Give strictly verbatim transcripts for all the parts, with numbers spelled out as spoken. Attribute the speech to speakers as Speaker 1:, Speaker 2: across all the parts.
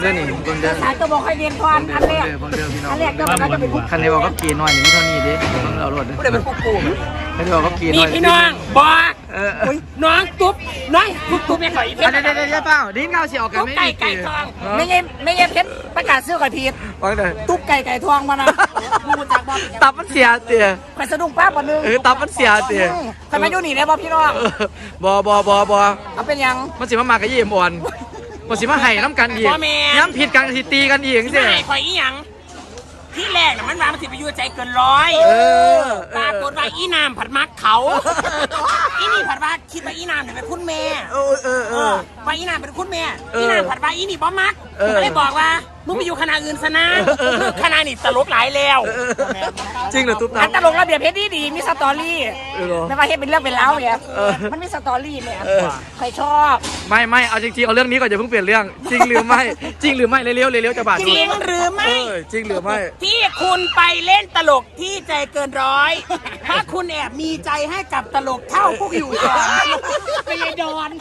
Speaker 1: เรื่องนี้เบิ่งเด้อ
Speaker 2: สายตัวบอกให้เรียนก่อนอันแรก
Speaker 1: เบิ่งเด้อพี่น้อง
Speaker 2: อันแรกก็มันจะเป็นผู้
Speaker 1: คันนี้บอกก็กี่น้อยนี่เท่านี้ดิเบิ่งเอารถเด้อ
Speaker 2: ผู้ใดเป็นผู้กู้
Speaker 1: คันนี้บอกก็กี่น้
Speaker 3: นี่
Speaker 1: อย
Speaker 3: พี่น้องบอก
Speaker 1: เออ
Speaker 3: น้องตุ๊บน้องตุ๊บตุ๊บเนี่ยก่อนอีก
Speaker 1: เดี๋ยวเดี๋ยวเดี๋ยวเปล่าดิ้นเงาเสียวกัน
Speaker 3: ตุ๊บ
Speaker 1: ไม่
Speaker 3: ไก่ไก่ทอง
Speaker 2: ไม่ใช่ไม่ใช่เพชรประกาศซื้อไก่พีด
Speaker 1: ฟังเด้อ
Speaker 2: ตุ๊กไก่ไก่ทองมานะมูจากบ่
Speaker 1: ตับมันเสียเตี๋ย
Speaker 2: ไปสะดุ้งป้าบ่นึง
Speaker 1: เออตับมันเสียเตี๋ย
Speaker 2: ใครมาอยู่นี่ได้บ่พี่น้อง
Speaker 1: บอบอบอบอ
Speaker 2: เอาเป็นยัง
Speaker 1: มันสิมามากับยี่เอ็มอ่อนมันสิมาไห้น้ำกันอีกย้ำผิดกันสิตีกันอีก
Speaker 3: ที่
Speaker 1: สิ
Speaker 3: ไหนคอยอีหยังที่แรกน่ะมันมามันสิไปอยู่ใจเกินร้อย
Speaker 1: เออ
Speaker 3: ปรากฏว่าอีนามผัดมักเขาอีนี่ผัดว่าคิดว่าอีนามเนี่ยเป็นคุณแม่
Speaker 1: เออเออเออ
Speaker 3: ว่าอีนามเป็นคุณแม่
Speaker 1: เอออี
Speaker 3: อีนามผัดว่าอีนี่บ่มัก
Speaker 1: เออ
Speaker 3: ก็เลยบอกว่ามึงไปอยู่คณะอื่นซะนะ
Speaker 1: เออ
Speaker 3: คณะนี่ตลกหลายแล้ว
Speaker 1: จริงเหรอตุ๊บ
Speaker 2: อันต
Speaker 1: ตับ
Speaker 2: ลกระเบียบเพชรดีดีมีสตอรี่
Speaker 1: เออเหรอ
Speaker 2: ไม่ว่าเฮ็ดเป็นเรื่องเป็นเล่าวเนี่ย
Speaker 1: เออ
Speaker 2: มันมีสตอรี่เนี่ย
Speaker 1: เออ
Speaker 2: ใครชอบ
Speaker 1: ไม่ไม่เอาจริงๆเอาเรื่องนี้ก่อนอย่าเพิ่งเปลี่ยนเรื่อง จริงหรือไม่ จริงหรือไม่เร็วๆเร็วๆจะบาด
Speaker 3: จริงหรือ
Speaker 1: เอ
Speaker 3: ไม่
Speaker 1: อจริงหรือไม่
Speaker 3: ที่คุณไปเล่นตลกที่ใจเกินร้อย ถ้าคุณแอบมีใจให้กับตลกเท่าพวกอยู่ก่อนไม่ใช่ดอน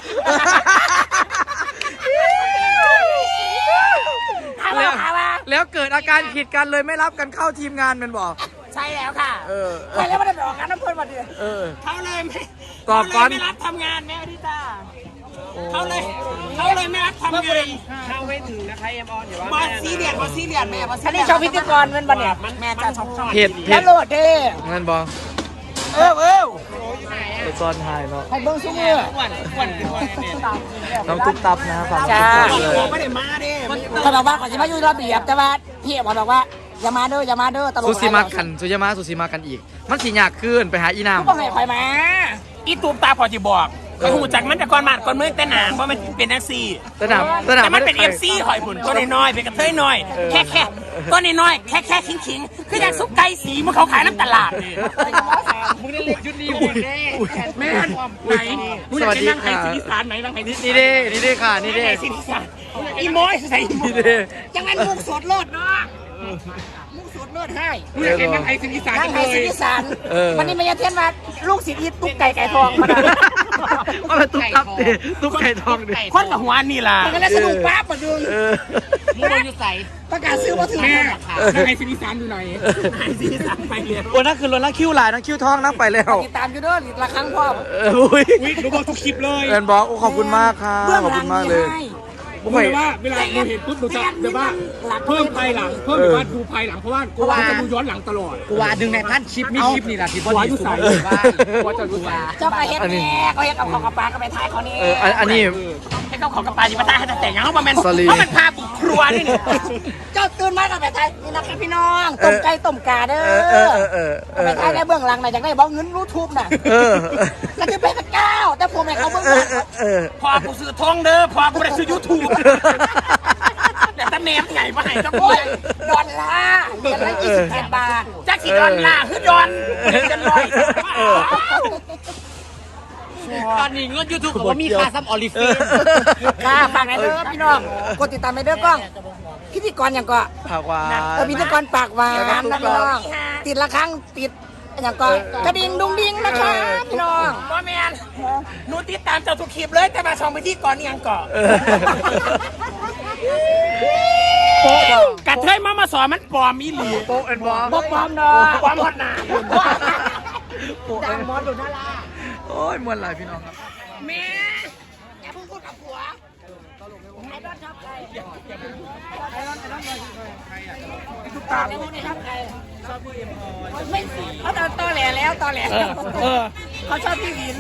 Speaker 3: ถาม
Speaker 1: แล้
Speaker 3: ว่าว ถามว่า
Speaker 1: แล้วเกิดอาการผิดกันเลยไม่รับกันเข้าทีมงานมันบอก
Speaker 3: ใช่แล้วค่ะ
Speaker 1: เออ
Speaker 2: ใครแล้วไม่ได้ไปออกงานน้ำเพื่อนมาดิ
Speaker 1: เออ
Speaker 3: เขาเลยไม่
Speaker 1: ตอบก่อน
Speaker 3: เขาเลยไม่รับทำงานแม่อดิตาเขาเลยเขาเลยไม่รับทำงาน
Speaker 4: เข้าไม่ถึงนะคะเอ็มออนเดี๋ยวว่า
Speaker 3: บอสซีเรียสบอสซีเรียสแม่บอสซี
Speaker 2: อัน
Speaker 3: เรี
Speaker 2: นี้
Speaker 3: ยส
Speaker 2: ชอบพิธีกรเป็นบันเนี่ย
Speaker 3: แม่จะชอบชอบ
Speaker 1: เผ็ด
Speaker 2: แล้
Speaker 1: เผ็
Speaker 2: ว
Speaker 1: ด
Speaker 2: โหลดเด้
Speaker 1: เงินบอก
Speaker 3: เออเออ
Speaker 1: ไปซ่อนถ่ายเนาะ
Speaker 2: ให้เบิ้งซุ้มมือ
Speaker 4: อ้วนอ้วนขึ้นมาเนี่ย
Speaker 1: น้องตุ๊บตับนะครับ
Speaker 2: จ้า
Speaker 3: ไม่ได้มาเด้
Speaker 2: เขาบอกว่าขอจะมาอยู่ระเบียบแต่ว่าพี่บอกบอกว่าอย่ามาเด้ออย่ามาเด้อตลก
Speaker 1: สุสีมากันสุยามาสุสีมากันอีก มันสียากขึ้นไปหาอีน้
Speaker 2: ต้องให้ใครมา
Speaker 3: อีตูบตาพอจะบอกก็หูจากมันแต่ก่อนมาดก่อนมือแต่หนางเพราะมันเป็นนักซี
Speaker 1: ำสนามสนาม
Speaker 3: แต่มันเป็นเอฟซีหอยผุนตัวน้อยๆเป็นกระเทยน้อยแค่แค่ตัวน้อยๆแค่แค่ขิงขิงๆคืออย่างซุปไก่สีมันเขาขายน้ำตลาดนี่
Speaker 4: มึงได้เล่นชุดนี้อยู่แน่
Speaker 3: แม่นไหนมึงอยากจะนั่งไห้สีสานไหนนั่งไห้สี
Speaker 1: นี่เด้นี่เด้ค่ะนี่เด้
Speaker 3: ไห้สีสานอีโม้ยใส่อีโม้
Speaker 1: นี่เด้
Speaker 2: จังนั้นมุกสดโลดเนาะมุกสดโลดให้
Speaker 3: มึงอยากจะนั่งไห้สีสาน
Speaker 2: นั่ง
Speaker 3: จัง
Speaker 2: ไห้
Speaker 3: เล
Speaker 2: สิ
Speaker 3: ย
Speaker 2: พิสานวันนี้ไม่ยาเทียนมาลูกศิษย์อีตุ๊กไก่ไก่ทองมา
Speaker 1: ก็เป็นตุ๊บตับดิตุ๊บไก่ทองดิ
Speaker 3: คนกับหัวนี่ล่ะ
Speaker 2: มันก็เลยสนุกป้าปะดึง
Speaker 1: เออ
Speaker 4: มึงโดนอยู่ใส่
Speaker 2: ประกาศซื้อมาถึง
Speaker 3: แม่นั่งไห้สีสานดูหน่อยไห้สีสานไปเลย
Speaker 1: โอ้นั่นคือรถนั่งคิ้วลายนั่งคิ้วทองนั่งไปแล้ว
Speaker 2: ติดตามอยู่เด้อละครั้งพ่อ
Speaker 1: เอออุ้ย
Speaker 3: วิดูบอกทุกคลิปเลย
Speaker 1: เอ็นบอกโอ้ขอบคุณมากค่ะ
Speaker 2: เบื้อง
Speaker 1: ขอบ
Speaker 2: หลั
Speaker 1: คุ
Speaker 2: ง
Speaker 1: ณมากเลย
Speaker 2: ให้
Speaker 1: ผมไป
Speaker 4: ว่าเวลาดูเห็นปุ๊บดูจะแบบว่าเพิ่มภายหลังเพิ่มแบบว่าดูภายหลังเพราะว่ากูว่าจะดูย้อนหลังตลอด
Speaker 5: กูว่าดึงในพันคลิปมีคลิปนี่แหละที่พอดีสุดเลยว่า
Speaker 4: ว่าจะดูใส่
Speaker 2: เจ้าไปเฮ็ดแม่ก็เฮ็ดกับของกับปลาก็ไปทายเขานี่
Speaker 1: เอออันอันนี้
Speaker 3: ให้เขาขอกระปาจิปาตาให้แต่งยังเขาบอกมัน
Speaker 1: Sorry
Speaker 3: เขามันพาบุกครัวนี่เนี่ย
Speaker 2: เจ้าตื่นมาก็ไปทายนี่นะครับพี่น้องต้มไก่ต้มกาเด้อ
Speaker 1: เออเออเออเออ
Speaker 2: ไปทายในเบื้องหลังน่ะอยากได้บ่เงินยูทูบน่ะ
Speaker 1: เออ
Speaker 2: ก็คือเป็นเก้าแต่ผมให้เขาเบื้อง
Speaker 1: เอ
Speaker 2: หลั
Speaker 1: อง เออเออ
Speaker 3: พอกูซื้อทองเด้อพอกูได้ซื้อยูทูบแต่ถ้าแนมใหญ่มาให้ก็
Speaker 2: โอ้
Speaker 3: บ่
Speaker 2: ยดอลลาร์เดือนละยี่สิบแปดบาท
Speaker 3: จักสิดอนล่าคือดอนกันลอย
Speaker 5: ตอนนี้เงินยูทูบผมมีค่าซ้ำออลิฟ
Speaker 2: ค่ะฝากในเด้อพี่น้องกดติดตามในเด้อกล้องพิธีกรอย่างก็
Speaker 1: ผักหวาน
Speaker 2: เออพิธีกรปากหวานนะพี่น้องติดละครั้งติดอย่างก็กระดิ่งดุงดิ้งนะคะพี่น้อง
Speaker 3: บ่แมนหนูติดตามเจ้าทุกคลิปเลยแต่มาช่องไปที่ก่อนนี่ยังก่อนกระเทยมามาสอนมันปลอมอีหลี
Speaker 1: โป๊ะเอ็นบอก
Speaker 2: บ่ปลอมเนาะ
Speaker 3: ความฮอดหนา
Speaker 1: โป๊ะ
Speaker 2: ดั
Speaker 1: เอ็
Speaker 2: ง
Speaker 1: น
Speaker 2: มอสดูน่ารัก
Speaker 1: โอ้ยมวนหลายพี่น้องครับ
Speaker 3: แม่
Speaker 2: อย่าเพิ่งพูดกับผัวไอ้ดอนชอบใครไอ้ดอนไอ้ดอนไอ้ทุกตาไอ้พวกนี้ชอบใครชอบผู้เอ็มพอไม่เขาตอนตอแหลแล้วตอแหลเขาชอบพี่วิน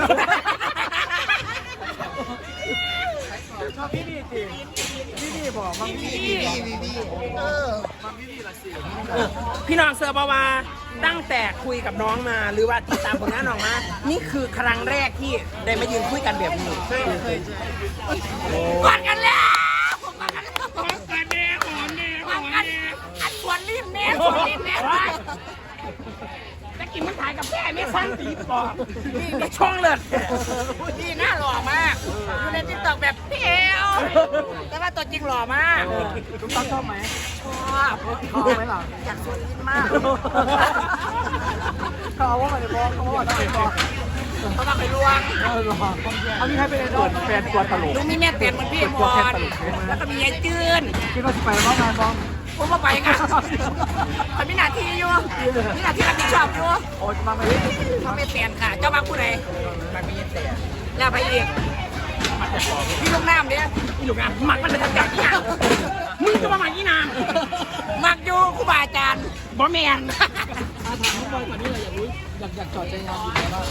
Speaker 2: ชอบพี่ดีจริงพี่ดีบอกมังพี่ดีเออ
Speaker 3: พี่น้องเซอร์บาวาตั้งแต่คุยกับน้องมาหรือว่าติดตามผลงานน้องมานี่คือครั้งแรกที่ได้มายืนคุยกันแบบนี้เคยเคย
Speaker 2: กอดกันแล้วกอดกันแล้ว
Speaker 3: หอมกันแน่หอมแน่หอมแน่
Speaker 2: อันสวนรีบแม่สวนรีบแม่
Speaker 3: จะกินมันถ่ายกับแม่ไม่สั้นตีปอบนี่ไม่ช่องเลย
Speaker 2: พี่หน้าหล่อมากอยู่ในติ๊กต็อกแบบเพียวแต่ว่าตัวจริงหล่อมากทุกต้องชอบไหมชอบชอบไหมล่ะอยากสวนรีบมากเขาว่าอะไรบอกเขาว่าอะไรบอกเขามาไปลวง
Speaker 1: เอามีใครเป็นไอดอลแฟนตัวตลก
Speaker 2: ลุงมีแม่เตียนเหมือนพี่มอนแล้วก็มียายจืน
Speaker 1: คิดว่าจะไปบ้างงานบ้าง
Speaker 2: ผมมาไปงานมันมีหน้าที่อยู่มีหน้าที่รับผิดชอบอยู่
Speaker 1: โอ้ยมาไหม
Speaker 2: เขาไม่เตียนค่ะ เจ้าบางผู้ใดมันมีเตียนแล้วไปอีกพี่ลูกน้ำเนี่ย
Speaker 3: อีหลูกงานหมักมันเป็นทางการที่ยังมึงจะมาหมักยี่นาง
Speaker 2: มักอยู่ครูบาอาจารย์
Speaker 3: บอแมน
Speaker 1: อาถามน้องบอยก่อนนี่เลยอยากรู้อยากอยากจอดใจงานอยู่แล้ว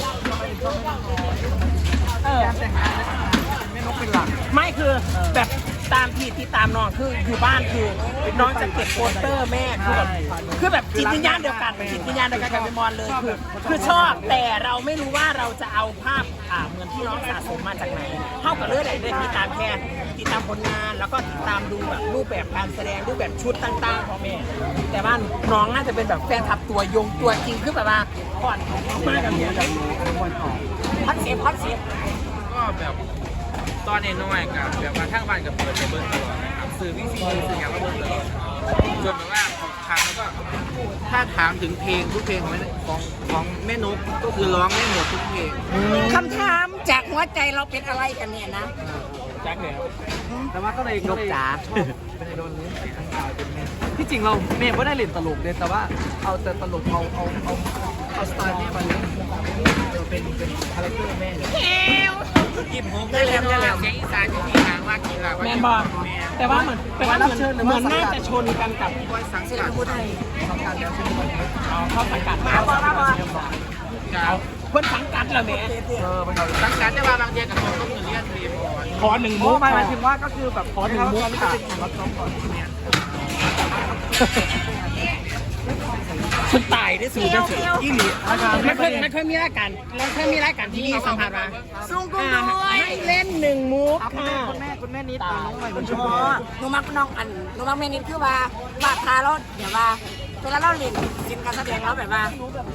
Speaker 1: เออการแต่งงานไม่นกเป็นหลัก
Speaker 3: ไม่คือแบบตามที่ที่ตามน้องคืออยู่บ้านคือน้องจะเก็บโปสเตอร์แม่คือแบบคือแบบจิตวิญญาณเดียวกันจิตวิญญาณเดียวกันกับพี่มอนเลยคือคือชอบแต่เราไม่รู้ว่าเราจะเอาภาพอ่าเหมือนที่น้องสะสมมาจากไหนเท่ากับเรื่องอะไรได้ติดตามแค่ติดตามผลงานแล้วก็ติดตามดูแบบรูปแบบการแสดงรูปแบบชุดต่างๆของแม่แต่ว่าน้องน่าจะเป็นแบบแฟนคลับตัวยงตัวจริงคือแบบว่าก่อนมากับเมียกัน
Speaker 2: ฮอตเสียบฮอตเสียบ
Speaker 5: ก็แบบตอนน้อยๆกับแบบว่าทั้งบ้านกับเปิดไปเบิ้ลตลอดนะครับสื่อวิซีสื่ออย่างก็เบิ้ลตลอดจนแบบว่าของครั้งแล้วก็ถ้าถามถึงเพลงทุกเพลงของแม่ของของแม่นกก็คือร้องได้หมดทุกเพลง
Speaker 2: คำถามจากหัวใจเราเป็นอะไรกันเนี่ยนะ
Speaker 5: จักแล้ว
Speaker 1: แต่ว่าก็เลยนกจ๋าชอบเป็นไอดอลนี้ทั้งกายเป็นแม่ที่จริงเราเมย์ไม่ได้เล่นตลกเลยแต่ว่าเอาแต่ตลกเอาเอาเอาเอาสไตล์แม่มาเล่นเป็นเป็นคาแรคเตอร์แม่เลย
Speaker 5: กินผมได้แล้วได้แล้วเสียงอีสานที่มีทางว่ากินละ
Speaker 3: แมนบอลแต่ว่าเหมือนแต่ว่าเหมือนเหมือนน่าจะชนกันกับ
Speaker 5: บอยสังกัด
Speaker 1: ทำการแล้วเป็นคนนี้
Speaker 3: อ๋อเข้าสังกัด
Speaker 2: มาบอมาบอ
Speaker 5: เอา
Speaker 3: เพื่อนสังกัดเหรอแม่
Speaker 1: เออเป็นเรา
Speaker 5: สังกัดได้ว่าบางทีกับคนต้องเงินเรียนเรียนก่อน
Speaker 3: ขอหนึ่ง
Speaker 1: โอ้
Speaker 3: มุก
Speaker 1: หมายถึงว่าก็คือแบบขอหนึ่งมุกค่ะรับน้องก่อน
Speaker 3: ฉันตายได้สูงจังสิ
Speaker 1: อีหลีอาจารย์
Speaker 3: ไม่เคยไม่เคยมีรายการแล้วเคยมีรายการที่นี่สัมผัสมา
Speaker 2: ซุ่งกุ้ง
Speaker 3: อ่า
Speaker 2: ด้วย
Speaker 3: ให้เล่นหนึ่งมุก
Speaker 1: คุณ
Speaker 3: ค่ะ
Speaker 1: แม่คุณแม่นิดน้องใหม่คุณช
Speaker 2: อ๋
Speaker 1: อ
Speaker 2: อบ หนูมักน้องอันหนูมักแม่นิดคือว่าว่าทาเราเดี๋ยวว่าเวลาเราเล่นสินการแสดงเราแบบว่า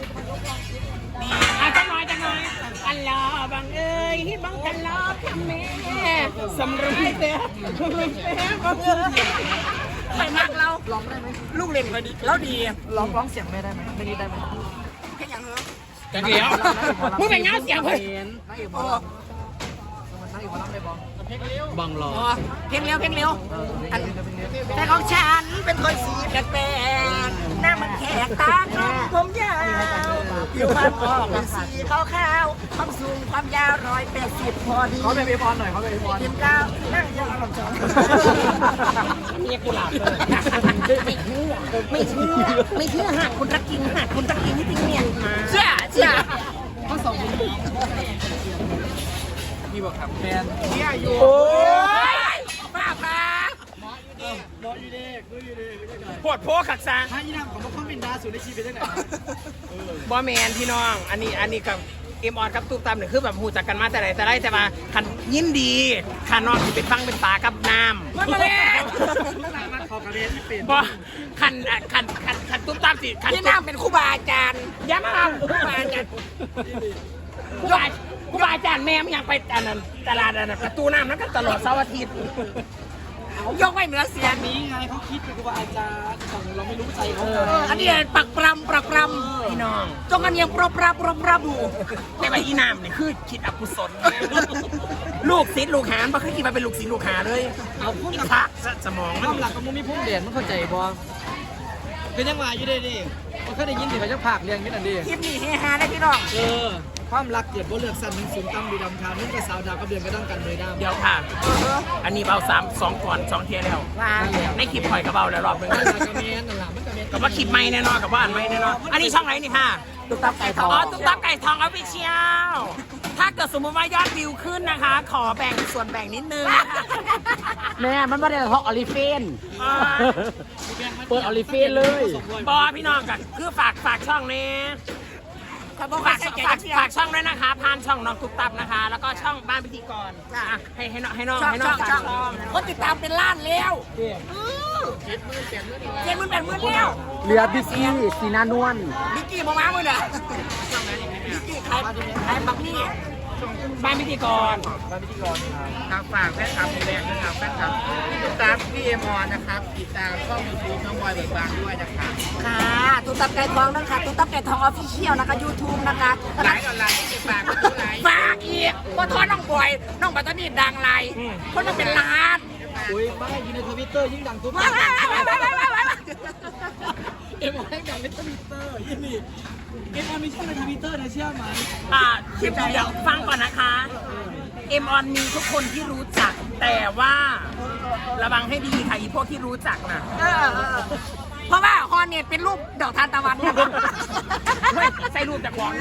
Speaker 3: อาจังน้อยจังน้อยอันลอบังเอ้ยบังกันลอทำแม่สำรวยเสียสำรวยเสียบังเอ้ย
Speaker 2: ใครมักเรา
Speaker 1: ร้องได้ไหม
Speaker 2: ลูกเล่นก็ดีเราดี
Speaker 1: ร้องร้องเสียงแม่ได้ไหมไม่นิดได้ไหม
Speaker 2: แค่อย่างเหรอ
Speaker 3: จังเดียวมึงเป็นเงาเสียงเพื่อน
Speaker 1: นักเอกบอลนักเอกบอลรับได้บอล
Speaker 5: บังรอ
Speaker 2: อ๋อเพลงเร็วเพลงเร็วอันแต่ของฉันเป็นคนสีแปลกๆหน้ามันแขกตาคมผมยาวผิวพรรณออกเป็นสีขาวๆความสูงความยาวร้อยแปดสิบพอดี
Speaker 1: เขาเป็นเอพรหน่อยเขาเป็นเอพร
Speaker 2: กินข้าวนั่งยองจอง
Speaker 3: เมียกูหลับเลย
Speaker 2: ไม่เชื่อไม่เชื่อไม่เชื่อหากคุณรักจริงหากคุณรักจริงที่จริงเนี่ยเชื่อเชื่อ
Speaker 1: ข้อสองคุณพี่บอกครับแมน
Speaker 5: เนี่ยอยู่
Speaker 3: โอ้ย
Speaker 2: ป้าพา
Speaker 1: บอลยูเด็กดูยูเด็กไม่ได้
Speaker 3: ปวดโพขักซา
Speaker 1: ถ้ายี่น้ำของพวกเขาเป็นดาสุดในชีวิตได้ไหน
Speaker 3: บอแมนพี่น้อง อันนี้อันนี้กับเอ็มออนกับตุ๊กตามเนี่ยคือแบบหูจักกันมาแต่ไหนแต่ไรแต่ว่าขันยินดีขันนอนที่เป็นฟังเป็นปลากับน้ำ
Speaker 2: มันมาแล้ว
Speaker 1: มันขอกระเด็นเปลี่ยน
Speaker 3: บอขันอ่ะขันขันขันตุ๊กตามสิขัน
Speaker 2: พี่น้ำเป็นครูบาอาจารย์
Speaker 3: ย้ำมา
Speaker 2: ครูบาอาจารย์
Speaker 3: กูบากูบาอาจารย์แม่ไม่อยากไปอันนั้นตลาดอันนั้นประตูน้ำนั้นก็ตลอดเสาร์อาทิตย์
Speaker 2: ยกไว้เหนือเสียง
Speaker 1: นี้ไงเขาคิดเป็นครูบาอาจารย์แต่เราไม่รู้ใจเขา
Speaker 2: เอออันนี้ปักปรำปักปร
Speaker 3: พี่น้อง
Speaker 2: ำจงกันยังปรบปราบปรบปราบู
Speaker 3: แต่ว่าอีน้ำเนี่ยคือคิดอกุศลลูกศิษย์ลูกหาบ่เคยคิดมาเป็นลูกศิษย์ลูกหาเลย
Speaker 1: เอาพูด
Speaker 3: อี
Speaker 1: กับ
Speaker 3: พระสมอง
Speaker 1: ค
Speaker 3: มัน
Speaker 1: วามหลักของมึงมีพุ่งเด่นมันเข้าใจบอเป็นยังไงอยู่ได้ดิมันเคยได้ยินสิเขาจะผากเรียงนิดหน่อยดิ
Speaker 2: คลิปนี้เฮฮาได้พี่น้อง
Speaker 1: เออความรักเกิดบ่เลือกสั้นหนึ่งสูงตั้มดีดำคานุ่งกระสาวดาวกับเดือนก็ต้องกันเลยดำ
Speaker 3: เดี๋ยวค่ะ อันนี้เบาสามสองก่อนสองเทียแล้ว
Speaker 2: ว่า
Speaker 3: ในคลิปปล่อยกับเบาแล้วรอบหนึง
Speaker 1: นั่นแหละกระเมนนั่นแหละมันกระเมน
Speaker 3: กับว่าคลิปไม่แน่นอนกับว่าอันไม่แน่นอนอันนี้ช่องไหนนี่ค่ะ
Speaker 2: ตุ๊กตาไก่ทอง
Speaker 3: อ๋อตุ๊กตาไก่ทองออฟฟิเชียลถ้าเกิดสมมติว่ายอดวิวขึ้นนะคะ ขอแบ่งส่วนแบ่งนิดนึงนะคะ
Speaker 5: แม่มันไม่ได้เพราะออลิเฟน
Speaker 3: อ่า
Speaker 5: เปิดออลิเฟนเลย
Speaker 3: บอพี่น้องกันคือฝากฝากช่องนี้
Speaker 2: ขอบคุณ
Speaker 3: ฝาก
Speaker 2: ค่ะ
Speaker 3: ฝากฝากช่องด้วยนะคะผ่านช่องน้องตุ๊กตับนะคะ แล้วก็ช่องบ้านพิธีกรอ่ะให้ให้น้องให้น้อง
Speaker 2: ช่อง
Speaker 3: ให้น้
Speaker 2: ช่
Speaker 3: อ
Speaker 2: อง ง
Speaker 3: ฝาก
Speaker 2: ช่อง
Speaker 3: ช่อง
Speaker 2: คนติดตามเป็นล้านแล้วเจ็ดหมื่นแปดหมื่นแล้ว
Speaker 5: เรือบิกกี้สีนานวล
Speaker 2: มิกกี้มามาเมื่อไหร่มิกกี้ขายขายบักนี่
Speaker 3: บ้านพิธีกร
Speaker 1: บ้านพิธีกรครับ
Speaker 5: ทางฝากแฟนคลับแรงนะครับแฟนคลับติดตามพี่เอ็มออนนะครับติดตามช่องยูทูบน้องบอยเบิกบานด้วยนะครับ
Speaker 2: ค่ะตุ๊กตับไก่ทองนะคะตุ๊กตับไก่ทองออฟฟิเชียลนะคะยูทูบนะคะ
Speaker 5: หลายออนไลน์ที่ฝากก็ตัวไหน
Speaker 2: ฝากอีกก็ทอดน้องบอยน้องบัตตานีดังไรคนมันเป็นล้าน
Speaker 1: อุ้ยไม่อยู่ในทวิตเตอร์ยิ่งดังทุก
Speaker 2: ว้าวว้าวว้าวว้าวว้าวว้าว
Speaker 1: เอ็มออนให้ดังในทวิตเตอร์ยี่นี่เอ็มออนมีช่องในทวิตเตอร์นะเชื่อไหม
Speaker 3: อ่าเดี๋ยวเดี๋ยวฟังก่อนนะคะเอ็มออนมีทุกคนที่รู้จัก แต่ว่าระวังให้ดีค่ะอีพวกที่รู้จักน่ะ
Speaker 2: เออเออเพราะว่าฮอนเนี่ยเป็นรูปดอกทานตะวันนะคะ
Speaker 3: เฮ้ยใส่รูปจากของ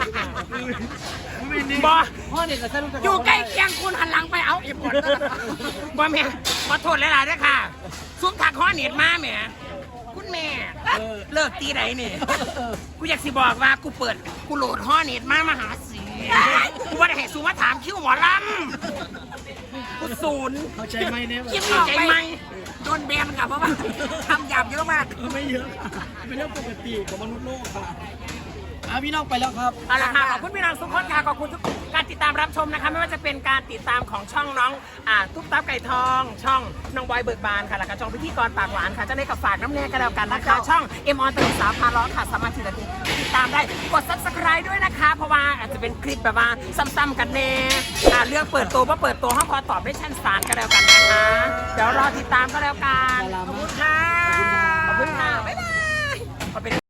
Speaker 3: บอ
Speaker 1: พ่อเนี่ยจะสรุป
Speaker 2: อยู่ใกล้เคียงคุณหันหลังไปเอาอีกหมด
Speaker 3: บอแม่ขอโทษหลายๆด้วยค่ะซุ้มถักข้อเน็ตมาแหมคุณแม่เลิกตีไหนนี่กูอยากสิบอกว่ากูเปิดกูโหลดข้อเน็ตมามาหาสีกูว่าได้ให้ซูมาถามคิวหมอลำกูศูนย์
Speaker 1: เข้าใจไหมเนี่ย
Speaker 2: คิดอ
Speaker 3: เข้า
Speaker 2: อก
Speaker 3: ใจ
Speaker 2: ไป
Speaker 3: ไหม
Speaker 2: โดนแบนค่ะเพราะว่าทำหยาบเยอะมาก
Speaker 1: ไม่เยอะค่ะเป็นเรื่องปกติของมนุษย์โลกค่ะอ่ะพี่น้องไปแล้วครับ
Speaker 3: เอาละค่ะขอบคุณพี่น้องทุกคนค่ะขอบคุณทุกการติดตามรับชมนะคะไม่ว่าจะเป็นการติดตามของช่องน้องอ่าตุ๊กตาไก่ทอง ช่องน้องบอยเบิกบานค่ะแล้วก็ช่องพิธีกรปากหวานค่ะเจะได้กับฝากน้ำแน่กันแล้วกันนะคะ ช่องเอ็มออนตลกสาวพาล้อค่ะสามารถติดตามได้กด ซับสไครบ์ ด้วยนะคะ เพราะว่าอาจจะเป็นคลิปแบบว่าซ้ำๆกันแน่อ่าเรื่องเปิดตัวว่าเปิดตัวห้องพอตอบได้ชั้นศาลกันแล้วกันนะคะเดี๋ยวรอติดตามก็แล้วกันขอบคุณค่ะขอบคุณค่ะบ๊ายบาย